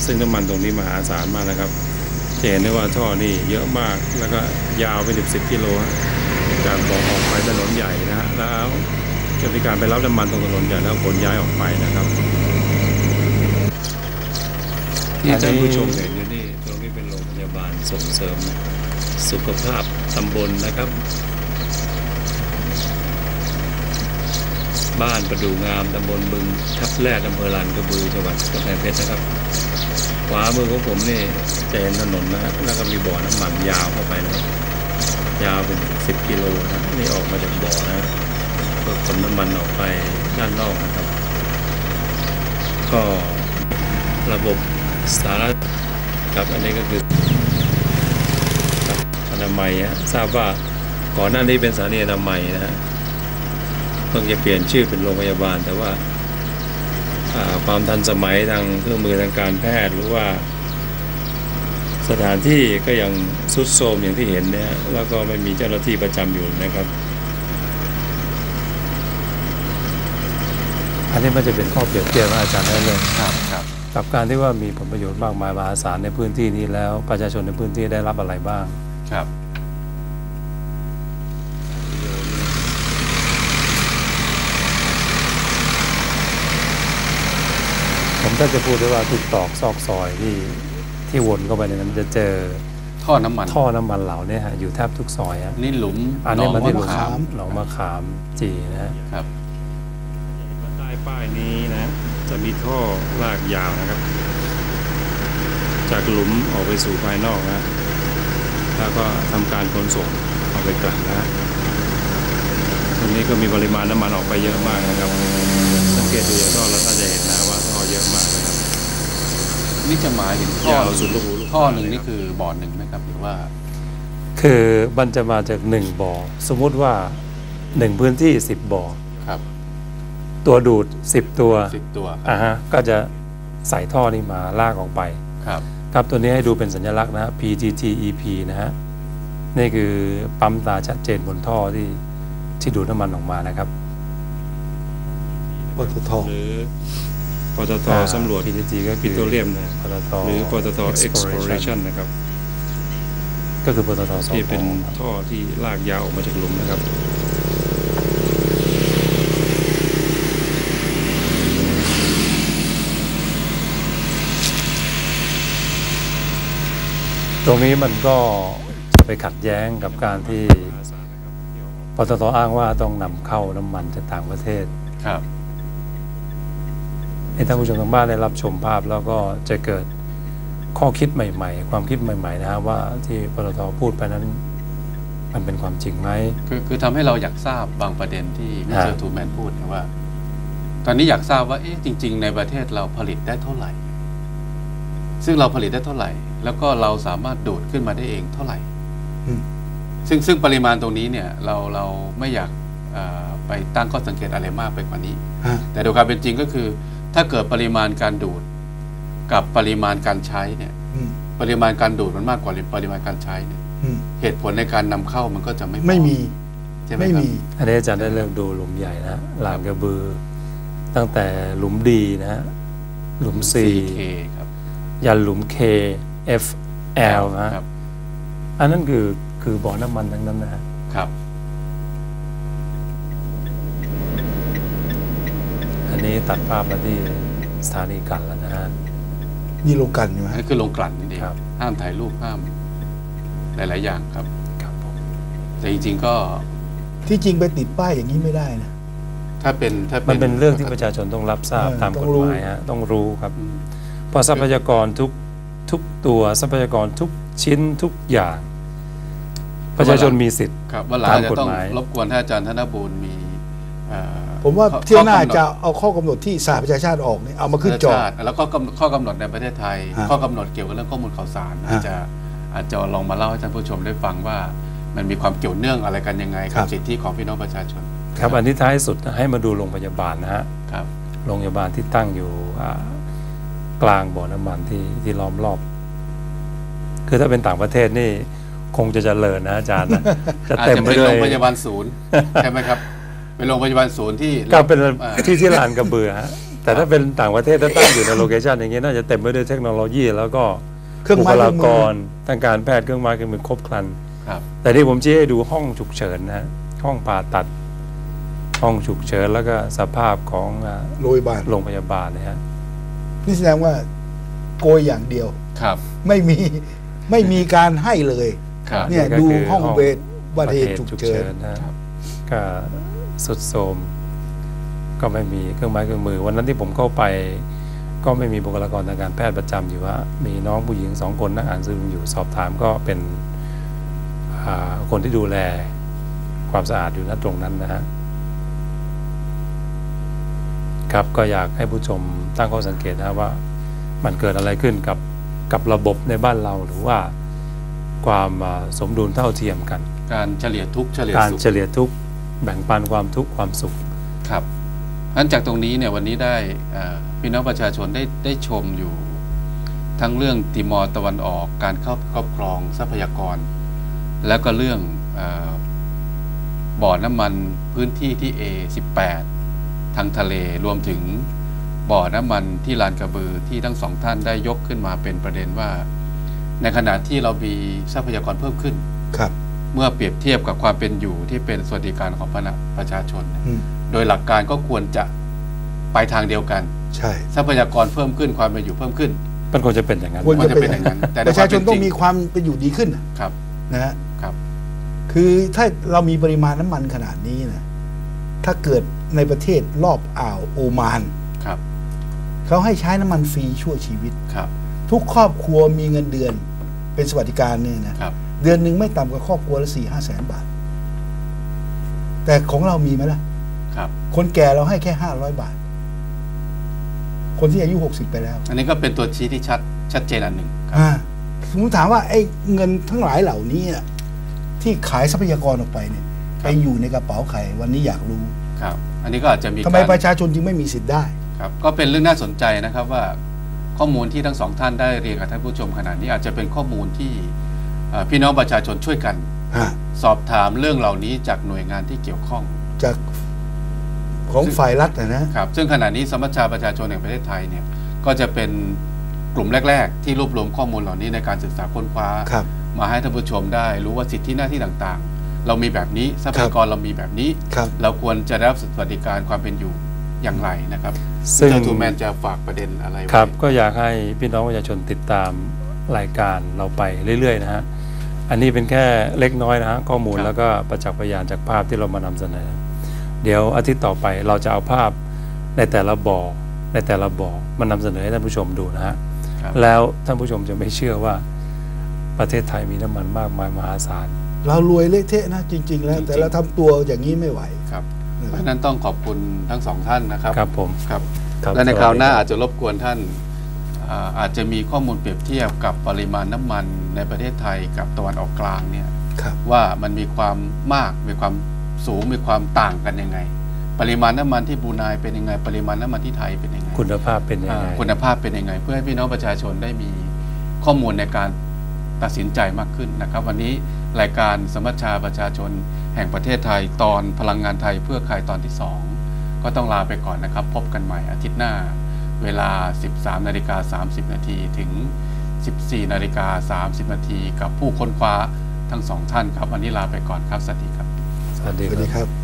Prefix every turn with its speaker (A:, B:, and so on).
A: ซึ่งน้ำมันตรงนี้มหาศาลมากนะครับจะเห็นได้ว่าท่อนี่เยอะมากแล้วก็ยาวไป10กิโลจากบ่อออกไปถนนใหญ่นะฮะแล้วจะมีการไปรับน้ำมันตรงถนนใหญ่แล้วขนย้ายออกไปนะครับที่ท่านผู้ชมเห็นอยู่นี่ตรงนี้เป็นโรงพยาบาลส่งเสริมสุขภาพตำบลนะครับบ้านประดู่งามตำบลบึงทับแรกอำเภอลานกระบือจังหวัดกำแพงเพชรนะครับขวามือของผมนี่จะเห็นถนนนะฮะแล้วก็มีบ่อน้ำมันยาวเข้าไปนะยาวเป็น10กิโลนะนี่ออกมาจากบ่อนะเพื่อขนน้ำมันออกไปด้านนอกนะครับก็ระบบสาธารณสุขครับอันนี้ก็คืออนามัยทราบว่าก่อนหน้านี้เป็นสถานีอนามัยนะฮะเพิ่งจะเปลี่ยนชื่อเป็นโรงพยาบาลแต่ว่าความทันสมัยทางเครื่องมือทางการแพทย์หรือว่าสถานที่ก็ยังทรุดโทรมอย่างที่เห็นเนี่ยแล้วก็ไม่มีเจ้าหน้าที่ประจำอยู่นะครับอันนี้มันจะเป็นข้อเปรียบเทียบอาจารย์ได้เลยครับกับการที่ว่ามีผลประโยชน์มากมายมหาศาลในพื้นที่นี้แล้วประชาชนในพื้นที่ได้รับอะไรบ้างครับผมถ้าจะพูดได้ว่าทุกตอกซอกซอยที่วนเข้าไปในนั้นจะเจอท่อน้ำมันเหล่านี้ฮะอยู่แทบทุกซอยนี่หลุมอันนี้มันที่หลุมหนองมะขามจีนะครับใต้ป้ายนี้นะจะมีท่อลากยาวนะครับจากหลุมออกไปสู่ภายนอกนะแล้วก็ทำการขนส่งออกไปกลั่นนะตรงนี้ก็มีปริมาณน้ำมันออกไปเยอะมากนะครับสังเกตดูจากท่อเราจะเห็นนะว่าท่อเยอะมากนะครับนี่จะหมายถึงท่อสุดลูกหูท่อหนึ่งนี่คือบ่อหนึ่งไหมครับหรือว่าคือมันจะมาจาก1บ่อสมมุติว่า1พื้นที่10บ่อครับตัวดูด10ตัวก็จะใส่ท่อนี้มาลากออกไปครับตัวนี้ให้ดูเป็นสัญลักษณ์นะ PTTEP นะฮะนี่คือปั๊มตาชัดเจนบนท่อที่ดูดน้ำมันออกมานะครับปตทหรือปตทสำรวจ PTT ก็ปิโตรเลียมนะปตทหรือปตท Exploration นะครับก็คือปตทที่เป็นท่อที่ลากยาวออกมาจากหลุมนะครับตรงนี้มันก็จะไปขัดแย้งกับการที่ปตทอ้างว่าต้องนำเข้าน้ำมันจากต่างประเทศครับให้ท่านผู้ชมทางบ้านได้รับชมภาพแล้วก็จะเกิดข้อคิดใหม่ๆความคิดใหม่ๆนะครับว่าที่ปตทพูดไปนั้นมันเป็นความจริงไหมคือทำให้เราอยากทราบบางประเด็นที่มิสเตอร์ทูแมนพูดนะว่าตอนนี้อยากทราบว่าจริงๆในประเทศเราผลิตได้เท่าไหร่ซึ่งเราผลิตได้เท่าไหร่แล้วก็เราสามารถดูดขึ้นมาได้เองเท่าไหร่ซึ่งปริมาณตรงนี้เนี่ยเราไม่อยากไปตั้งข้อสังเกตอะไรมากไปกว่านี้แต่โดยความเป็นจริงก็คือถ้าเกิดปริมาณการดูดกับปริมาณการใช้เนี่ยปริมาณการดูดมันมากกว่าปริมาณการใช้เนี่ยเหตุผลในการนำเข้ามันก็จะไม่มีใช่ไหมครับอันนี้อาจารย์ได้เริ่มดูหลุมใหญ่นะลานกระบือตั้งแต่หลุมดีนะฮะหลุม C ครับยันหลุม K F L นะครับอันนั้นคือบ่อน้ำมันทั้งนั้นนะครับอันนี้ตัดภาพมาที่สถานีกลั่นแล้วนะฮะนี่โรงกลั่นใช่ไหมนี่คือโรงกลั่นนี่เองห้ามถ่ายรูปห้ามหลายๆอย่างครับแต่จริงๆก็ที่จริงไปติดป้ายอย่างนี้ไม่ได้นะถ้ามันเป็นเรื่องที่ประชาชนต้องรับทราบตามกฎหมายต้องรู้ครับเพราะทรัพยากรทุกตัวทรัพยากรทุกชิ้นทุกอย่างประชาชนมีสิทธิ์ตามกฎหมายรบกวนท่านอาจารย์ธนบูรณ์มีผมว่าเที่ยวหน้าจะเอาข้อกำหนดที่สหประชาชาติออกเนี่ยเอามาขึ้นจอแล้วก็ข้อกำหนดในประเทศไทยข้อกำหนดเกี่ยวกับเรื่องข้อมูลข่าวสารอาจจะลองมาเล่าให้ท่านผู้ชมได้ฟังว่ามันมีความเกี่ยวเนื่องอะไรกันยังไงกับสิทธิของพี่น้องประชาชนครับอันที่ท้ายสุดให้มาดูโรงพยาบาลนะฮะโรงพยาบาลที่ตั้งอยู่กลางบ่อน้ำมันที่ล้อมรอบคือถ้าเป็นต่างประเทศนี่คงจะเจริญนะอาจารย์นะจะเต็มไปด้วยโรงพยาบาลศูนย์ใช่ไหมครับเป็นโรงพยาบาลศูนย์ที่ก็เป็นที่ลานกระเบือฮะ
B: แต่ถ้าเป็นต่างประเทศถ้าตั้งอยู่ในโลเคชันอย่างเงี้ยน่าจะเต็มไปด้วยเทคโนโลยีแล้วก็บุคลากรทางการแพทย์เครื่องไม้เครื่องมือครบครันแต่ที่ผมชี้ให้ดูห้องฉุกเฉินนะห้องผ่าตัดห้องฉุกเฉินแล้วก็สภาพของโรงพยาบาลเลยฮะ
C: นี่แสดงว่าโกยอย่างเดียว
A: ครับ
C: ไม่มีการให้เลยเนี่ยดูห้องเวชบัตเหตุฉุกเฉิน
B: นะครับก็สุดโทรมก็ไม่มีเครื่องไม้เครื่องมือวันนั้นที่ผมเข้าไปก็ไม่มีบุคลากรทางการแพทย์ประจำอยู่ว่ามีน้องผู้หญิง2 คนนั่งอ่านซึมอยู่สอบถามก็เป็นคนที่ดูแลความสะอาดอยู่ณตรงนั้นนะฮะครับก็อยากให้ผู้ชมตั้งข้อสังเกตนะว่ามันเกิดอะไรขึ้นกับระบบในบ้านเราหรือว่าความสมดุลเท่าเทียมกัน
A: การเฉลี่ยทุกข์เฉลี่ย
B: การ
A: สุข
B: เฉลี่ยทุกข์แบ่งปันความทุกข์ความสุข
A: ครับงั้นจากตรงนี้เนี่ยวันนี้ได้พี่น้องประชาชนได้ชมอยู่ทั้งเรื่องติมอร์ตะวันออกการครอบครองทรัพยากรแล้วก็เรื่องบ่อน้ำมันพื้นที่ที่ A18 ทางทะเลรวมถึงบ่อน้ำมันที่ลานกระบือที่ทั้งสองท่านได้ยกขึ้นมาเป็นประเด็นว่าในขณะที่เรามีทรัพยากรเพิ่มขึ้น
C: ครับ
A: เมื่อเปรียบเทียบกับความเป็นอยู่ที่เป็นสวัสดิการของประชาชนโดยหลักการก็ควรจะไปทางเดียวกัน
C: ใช่
A: ทรัพยากรเพิ่มขึ้นความเป็นอยู่เพิ่มขึ้น
B: มันควรจะเป็นอย่างนั้น
C: ควรจะเป็นอย่างนั้นแต่ประชาชนต้องมีความเป็นอยู่ดีขึ้น
A: ครับ
C: นะฮะครับคือถ้าเรามีปริมาณน้ำมันขนาดนี้นะถ้าเกิดในประเทศรอบอ่าวโอมาน
A: ครับ
C: เขาให้ใช้น้ำมันฟรีชั่วชีวิต
A: ครับ
C: ทุกครอบครัวมีเงินเดือนเป็นสวัสดิการเนี่ยนะครับเดือนหนึ่งไม่ต่ำกว่าครอบครัวละ4-5 แสนบาทแต่ของเรามีไหมล่ะ
A: ครับ
C: คนแก่เราให้แค่500 บาทคนที่อายุ60ไปแล้ว
A: อันนี้ก็เป็นตัวชี้ที่ชัดเจนอันหนึ่ง
C: ผมถามว่าไอ้เงินทั้งหลายเหล่านี้ที่ขายทรัพยากรออกไปเนี่ยไปอยู่ในกระเป๋าใครวันนี้อยากรู้
A: ครับอันนี้ก็อาจจะมี
C: ทำไมประชาชนจึงไม่มีสิทธิ์ได้
A: ครับก็เป็นเรื่องน่าสนใจนะครับว่าข้อมูลที่ทั้งสองท่านได้เรียนกับท่านผู้ชมขณะนี้อาจจะเป็นข้อมูลที่พี่น้องประชาชนช่วยกันสอบถามเรื่องเหล่านี้จากหน่วยงานที่เกี่ยวข้อง
C: จากของฝ่ายรัฐนะครับ
A: ซึ่งขณะนี้สมัชชาประชาชนแห่งประเทศไทยเนี่ยก็จะเป็นกลุ่มแรกๆที่รวบรวมข้อมูลเหล่านี้ในการศึกษาค้นคว้ามาให้ท่านผู้ชมได้รู้ว่าสิทธิหน้าที่ต่างๆเรามีแบบนี้ทรัพยากรเรามีแบบนี้เราควรจะได้รับสวัสดิการความเป็นอยู่อย่างไรนะครับซึ่งทูแมนจะฝากประเด็นอะไร
B: ครับก็อยากให้พี่น้องประชาชนติดตามรายการเราไปเรื่อยๆนะฮะอันนี้เป็นแค่เล็กน้อยนะฮะข้อมูลแล้วก็ประจักษ์พยานจากภาพที่เรามานำเสนอเดี๋ยวอาทิตย์ต่อไปเราจะเอาภาพในแต่ละบ่อมานำเสนอให้ท่านผู้ชมดูนะฮะแล้วท่านผู้ชมจะไม่เชื่อว่าประเทศไทยมีน้ำมันมากมายมหาศาล
C: เรารวยเละเทะนะจริงๆแล้วแต่เราทำตัวอย่างนี้ไม่ไหว
A: ครับเพราะนั้นต้องขอบคุณทั้งสองท่านนะครับ
B: ครับผม
A: ครับและในคราวหน้าอาจจะรบกวนท่านอาจจะมีข้อมูลเปรียบเทียบกับปริมาณน้ำมันในประเทศไทยกับตะวันออกกลางเนี่ยว่ามันมีความมากมีความสูงมีความต่างกันยังไงปริมาณน้ำมันที่บรูไนเป็นยังไงปริมาณน้ำมันที่ไทยเป็นยังไง
B: คุณภาพเป็นยังไง
A: คุณภาพเป็นยังไงเพื่อให้พี่น้องประชาชนได้มีข้อมูลในการตัดสินใจมากขึ้นนะครับวันนี้รายการสมัชชาประชาชนแห่งประเทศไทยตอนพลังงานไทยเพื่อใครตอนที่2ก็ต้องลาไปก่อนนะครับพบกันใหม่อาทิตย์หน้าเวลา 13:30 น.ถึง 14:30 น.กับผู้ค้นคว้าทั้งสองท่านครับวันนี้ลาไปก่อนครับสวัสดีครับ
C: สวัสดีครับ